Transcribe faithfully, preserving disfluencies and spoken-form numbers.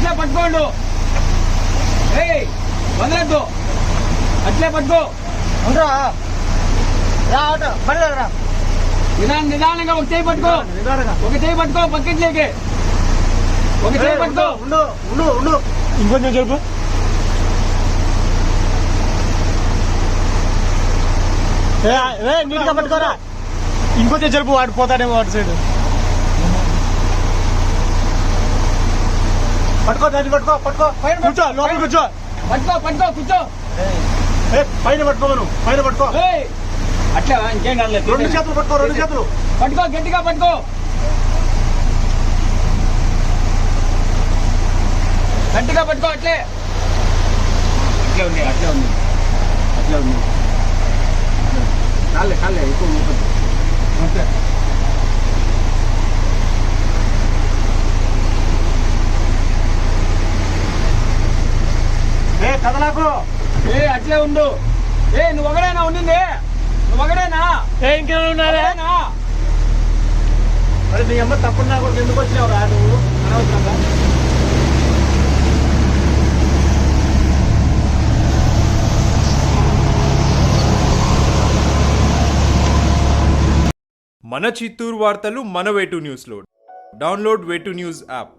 అట్లే పట్టుకోండు. ఏయ్ వదలద్దు, అట్లే పట్టుకో. రా ఆటో బండి రా. నిదానం నిదానంగా ఒక చేయి పట్టుకో, ఒక చేయి పట్టుకో పక్కట్లేకి, ఒక చేయి పట్టుకో. ఉండు ఉండు ఉండు ఇంకొంచెం చెప్పు. నీట్గా పట్టుకోరా. ఇంకొంచెం జరుపు, వాడు పోతాడేమో వాటి సైడ్. పట్టుకో దాన్ని పట్టుకో పట్టుకో పైన కూర్చో, లోపల కూర్చో. పట్టుకో పట్టుకో కూర్చో. పైన పట్టుకో నువ్వు పైన పట్టుకో. ఏయ్ అట్లా ఇంకేం కాదు. రెండు చేతులు పట్టుకో రెండు చేతులు పట్టుకో, గట్టిగా పట్టుకో, గట్టిగా పట్టుకో. అట్లే అట్లే ఉంది, అట్లే ఉంది, అట్లే ఉంది. కాలే కాలే ఎక్కువ మూపదు. అంతే. ఏ కదలాకు. ఏ అట్లే ఉండు. ఏ నువ్వు ఒకడేనా ఉండింది? నువ్వు ఒకడేనా? ఏ ఇంకేమైనా ఉన్నారా? ఒకడేనా? మరి నీ అమ్మ తప్పుడు నాకు ఎందుకు వచ్చినావు రా నువ్వు అనవసరంగా. మన చిత్తూరు వార్తలు మన వేటు న్యూస్లో. డౌన్లోడ్ వేటు న్యూస్ యాప్.